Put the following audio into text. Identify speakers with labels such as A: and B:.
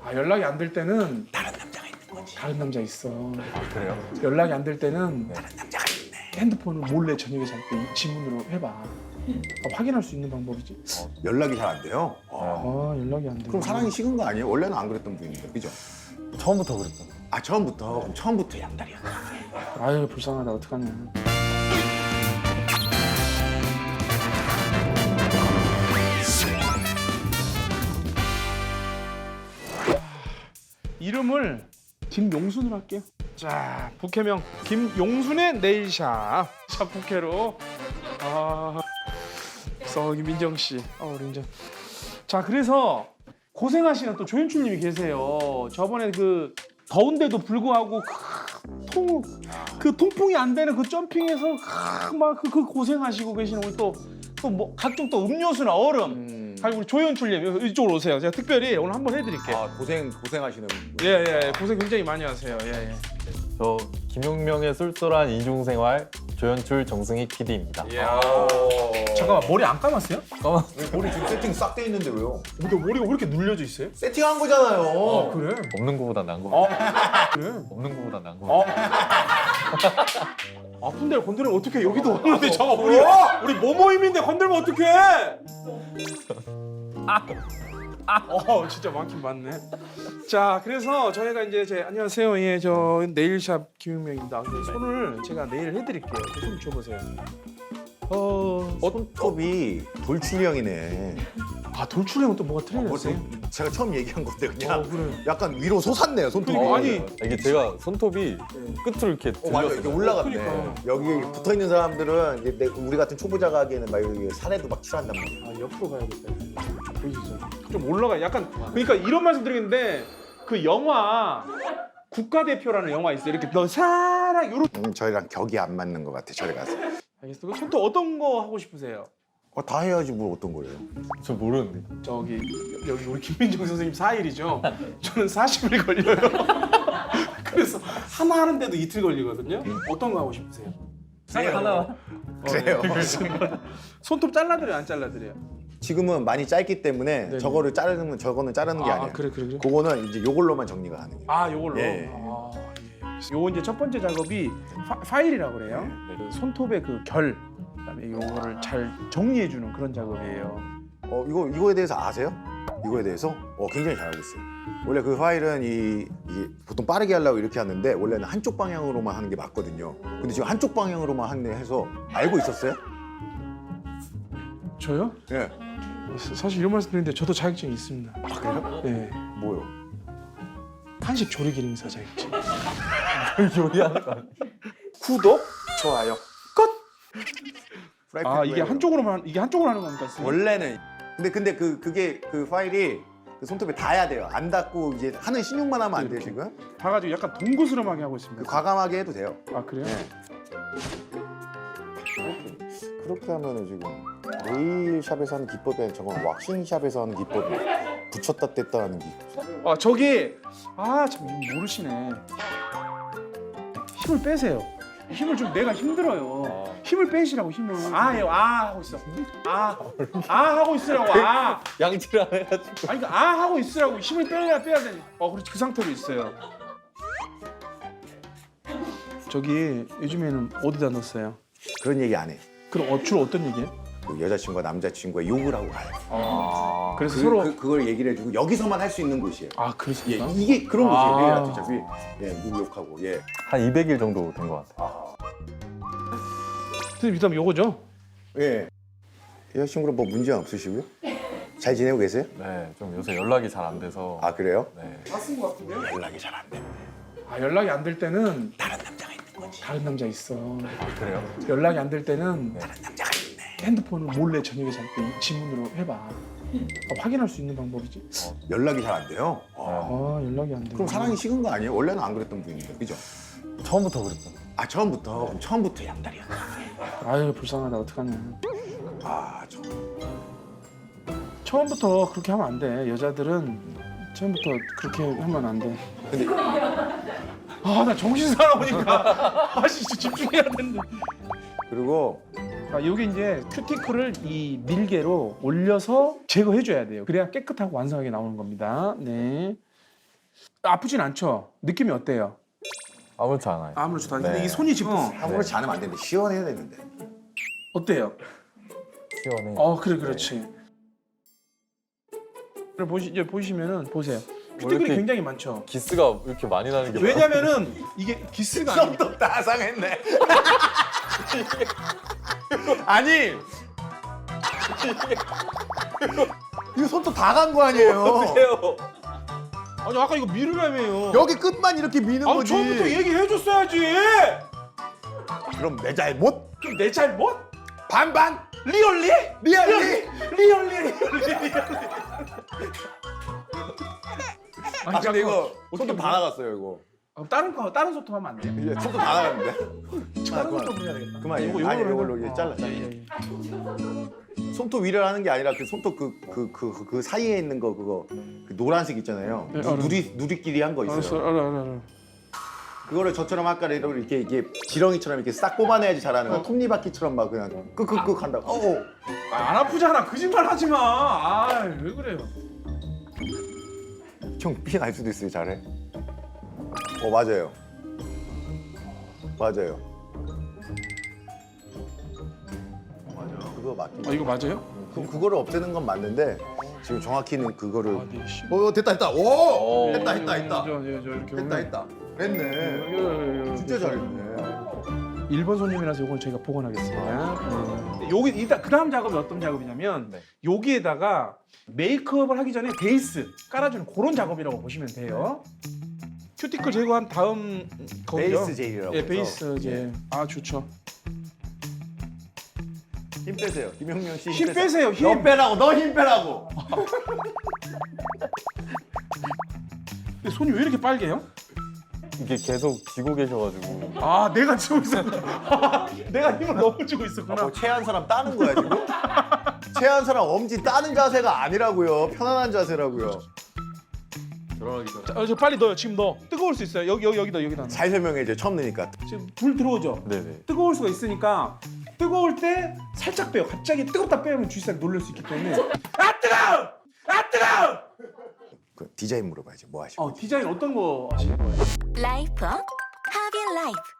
A: 아, 연락이 안 될 때는
B: 다른 남자가 있는 거지.
A: 다른 남자 있어.
C: 그래요?
A: 연락이 안 될 때는
B: 다른 남자가 있네.
A: 핸드폰을 몰래 저녁에 잘 때 지문으로 해봐. 확인할 수 있는 방법이지.
D: 연락이 잘 안 돼요?
A: 아, 연락이 안 돼.
D: 그럼 사랑이 식은 거 아니에요? 원래는 안 그랬던 분인데, 그죠?
C: 처음부터 그랬던.
D: 아 처음부터? 그럼 처음부터 양다리였다.
A: 아유, 불쌍하다. 어떡하냐. 이름을 김용순으로 할게요. 자, 부캐명 김용순의 네일샵. 자, 부캐로. 아, 썩이 민정 씨. 우리 민정. 자, 그래서 고생하시는 또 조연출님이 계세요. 저번에 그 더운데도 불구하고 그 통풍이 안 되는 그 점핑에서 막 그 고생하시고 계시는 우리 또 뭐 각종 또 음료수나 얼음. 아니, 우리 조연출님 이쪽으로 오세요. 제가 특별히 오늘 한번 해드릴게요.
D: 아 고생하시는 분.
A: 예, 고생 굉장히 많이 하세요. 예.
C: 저 김용명의 쏠쏠한 이중생활 조연출 정승희 PD입니다.
A: 잠깐만, 머리 안 감았어요?
D: 머리 지금 세팅 싹 돼 있는데 왜요?
A: 근데 머리가 왜 이렇게 눌려져 있어요?
D: 세팅한 거잖아요.
A: 그래?
C: 없는 거보다 나은 거 같아요.
A: 그래?
C: 없는 거보다 나은 거 같아요.
A: 아픈 데를 건드리면 어떡해. 여기도 없는데 잠깐 우리 모모임인데 건들면 어떡해. 진짜 많긴 많네. 자, 그래서 저희가 이제 안녕하세요. 예, 저 네일샵 김용명입니다. 손을 제가 네일 해드릴게요. 손 줘보세요.
D: 손톱이 돌출형이네.
A: 돌출형은 또 뭐가 틀려졌어요?
D: 제가 처음 얘기한 건데 그냥
A: 그래.
D: 약간 위로 솟았네요 손톱이.
A: 그러니까, 아니.
C: 이게 제가 손톱이 끝으로 이렇게
D: 맞아, 이렇게
C: 들렸어요.
D: 올라갔네.
A: 그러니까.
D: 여기 붙어 있는 사람들은 이제 우리 같은 초보자가 하기에는 막 여기 살에도 막 칠한단 말이야.
A: 옆으로 가야겠다. 보이시죠? 좀 올라가. 약간 그러니까 이런 말씀 드리는데 그 영화 국가대표라는 영화 있어요. 이렇게 너 사랑 요런.
D: 저희랑 격이 안 맞는 것 같아. 저희 가서.
A: 알겠어. 그 손톱 어떤 거 하고 싶으세요?
D: 다 해야지 뭘 어떤 거예요?
C: 저 모르는데.
A: 저기 여기 우리 김민정 선생님 4일이죠. 저는 40일 걸려요. 그래서 하나 하는데도 이틀 걸리거든요. 어떤 거 하고 싶으세요?
C: 하나.
D: 그래요.
A: 손톱 잘라드려요, 안 잘라드려요?
D: 지금은 많이 짧기 때문에
A: 네네.
D: 저거를 자르는 저거는 자르는 게 아니에요.
A: 그래.
D: 그거는 이제 요걸로만 정리가 가능해요.
A: 요걸로.
D: 예.
A: 요거 이제 첫 번째 작업이 파일이라고 그래요.
C: 네.
A: 그 손톱의 그 결, 그다음에 요거를 잘 정리해주는 그런 작업이에요.
D: 이거에 대해서 아세요? 이거에 대해서? 굉장히 잘 알고 있어요. 원래 그 파일은 이게 보통 빠르게 하려고 이렇게 하는데 원래는 한쪽 방향으로만 하는 게 맞거든요. 근데 지금 한쪽 방향으로만 하네 해서 알고 있었어요?
A: 저요?
D: 예.
A: 사실 이런 말씀 드리는데 저도 자격증이 있습니다.
D: 그래요?
A: 네.
D: 뭐요?
A: 한식 조리 기능사 자격증.
C: 요리하는 거 아니에요?
A: 구독, 좋아요, 끝.
D: 프라이팬
A: 이게 한쪽으로 하는 겁니까? 선생님?
D: 원래는 근데 그게 그 파일이 그 손톱에 닿아야 돼요. 안 닿고 이제 하는 신용만 하면 안 돼요 지금.
A: 다 가지고 약간 동그스름하게 하고
D: 그
A: 있습니다.
D: 과감하게 해도 돼요.
A: 그래요?
D: 네. 그렇게 하면은 지금 네일샵에서 하는 기법에 저건 왁싱샵에서 하는 기법이 붙였다 뗐다 하는 기법.
A: 저기 참 모르시네. 힘을 빼세요. 힘을 좀 내가 힘들어요. 힘을 빼시라고 힘을. 하고 있어. 하고 있으라고.
C: 양치를 안 해가지고.
A: 그러니까 하고 있으라고 힘을 빼야 되니. 그렇지, 그 상태로 있어요. 저기 요즘에는 어디다 넣었어요?
D: 그런 얘기 안 해.
A: 그럼 주로 어떤 얘기예요?
D: 그 여자친구가 남자친구가 욕을 하고 가요.
A: 그래서 서로
D: 그걸 얘기를 해주고 여기서만 할 수 있는 곳이에요. 예,
A: 그렇습니까?
D: 이게 그런 곳이에요.
A: 아.
D: 얘가 어차피 누구 욕하고
C: 한 200일 정도 된 것 같아요.
A: 선생님, 그다음 요거죠?
D: 예. 여자친구랑 뭐 문제 없으시고요? 잘 지내고 계세요?
C: 네, 좀 요새 연락이 잘 안 돼서.
D: 아 그래요?
C: 네.
A: 다 쓴 것 같은데요?
D: 연락이 잘 안 돼.
A: 연락이 안 될 때는
B: 다른 남자가 있는 거지.
A: 다른 남자 있어.
C: 그래요?
A: 연락이 안 될 때는
B: 다른 남자가 있네.
A: 핸드폰을 몰래 저녁에 잘 때 지문으로 해봐. 확인할 수 있는 방법이지.
D: 연락이 잘 안 돼요?
A: 연락이 안 돼.
D: 그럼 사랑이 식은 거 아니에요? 원래는 안 그랬던 분인데, 그죠?
C: 처음부터 그랬던.
D: 처음부터? 그럼 처음부터 양다리였다.
A: 아유, 불쌍하다. 어떡하냐.
D: 저
A: 처음부터 그렇게 하면 안 돼. 여자들은 처음부터 그렇게 하면 안 돼.
D: 근데
A: 나 정신 사나우니까 진짜 집중해야 되는데.
D: 그리고
A: 여기 이제 큐티클을 이 밀개로 올려서 제거해 줘야 돼요. 그래야 깨끗하고 완성하게 나오는 겁니다. 네. 아프진 않죠? 느낌이 어때요?
C: 아무렇지 않아요.
A: 아무렇지도 않아요. 근데
C: 네.
A: 이 손이 지금
D: 아무렇지 않으면 안 되는데 시원해야 되는데.
A: 어때요?
C: 시원해.
A: 그래 그렇지. 그래 이제 보시면은 보세요. 큐티클이
C: 이렇게-
A: 굉장히 많죠.
C: 기스가 이렇게 많이 나는 게
A: 왜냐면은 이게 기스가 아니고
D: 손톱 다 상했네. 아니 이거 손톱 다 간 거 아니에요?
C: 뭐예요?
A: 아니 아까 이거 미르라며요.
D: 여기 끝만 이렇게 미는
A: 아
D: 거지.
A: 처음부터 얘기해줬어야지.
D: 그럼 내 잘못?
A: 그럼 내 잘못?
D: 반반?
A: 리얼리?
D: 리얼리?
A: 리얼리.
D: 아 근데 이거
A: 어떻게
D: 손톱 다 나갔어요 이거.
A: 다른 소통 하면 안 돼?
D: 이제 손톱 다 나갔는데?
A: 다른
D: 그만.
A: 소통 해야 되겠다.
D: 그만
A: 이거
D: 아니
A: 이걸로
D: 이걸로
A: 해봐.
D: 이제 잘라.
A: 예, 예.
D: 손톱 위를 하는 게 아니라 그 손톱 그 사이에 있는 거 그거 그 노란색 있잖아요.
A: 네, 알아요.
D: 누리끼리 한 거 있어요.
A: 알았어, 알아.
D: 그거를 저처럼 아까 이렇게 이게 지렁이처럼 이렇게 싹 뽑아내야지 잘하는 거. 톱니바퀴처럼 막 그냥 끄끄끄 한다고.
A: 안 아프잖아. 거짓말 하지 마. 왜 그래요?
D: 형 삐 날 수도 있어요. 잘해. 맞아요. 맞아요. 맞아. 그거 맞긴.
A: 이거 맞아요?
D: 그거를 없애는 건 맞는데 지금 정확히는 그거를.
A: 네, 씨.
D: 됐다. 오! 했다.
A: 이렇게
D: 했다. 됐네. 진짜 잘했네.
A: 1번 손님이라서 이걸 저희가 복원하겠습니다. 네. 여기 일단 그 다음 작업이 어떤 작업이냐면
C: 네.
A: 여기에다가 메이크업을 하기 전에 베이스 깔아주는 그런 작업이라고 보시면 돼요. 큐티클 제거한 다음 거기죠.
D: 베이스 젤이라고
A: 예,
D: 해서.
A: 베이스 젤. 아 좋죠.
D: 힘 빼세요. 김영명 씨.
A: 힘 빼세요. 힘.
D: 너 빼라고. 너 힘 빼라고.
A: 근데 손이 왜 이렇게 빨개요?
C: 이게 계속 쥐고 계셔가지고
A: 아 내가 쥐고 있었구나. 내가 힘을 너무 주고 있었구나.
D: 뭐 체한 사람 따는 거야 지금? 체한 사람 엄지 따는 자세가 아니라고요. 편안한 자세라고요.
C: 들어가기 전에.
A: 자, 빨리 넣어요. 지금 넣어. 뜨거울 수 있어요. 여기다.
D: 잘 설명해 줘. 처음 넣으니까.
A: 지금 불 들어오죠.
C: 네네.
A: 뜨거울 수가 있으니까 뜨거울 때 살짝 빼요. 갑자기 뜨겁다 빼면 주식사를 놀랄 수 있기 때문에 아 뜨거워! 아 뜨거워!
D: 그 디자인 물어봐야지. 뭐 하시고.
A: 디자인 어떤 거 하시는 거예요?
E: 라이프 하비 라이프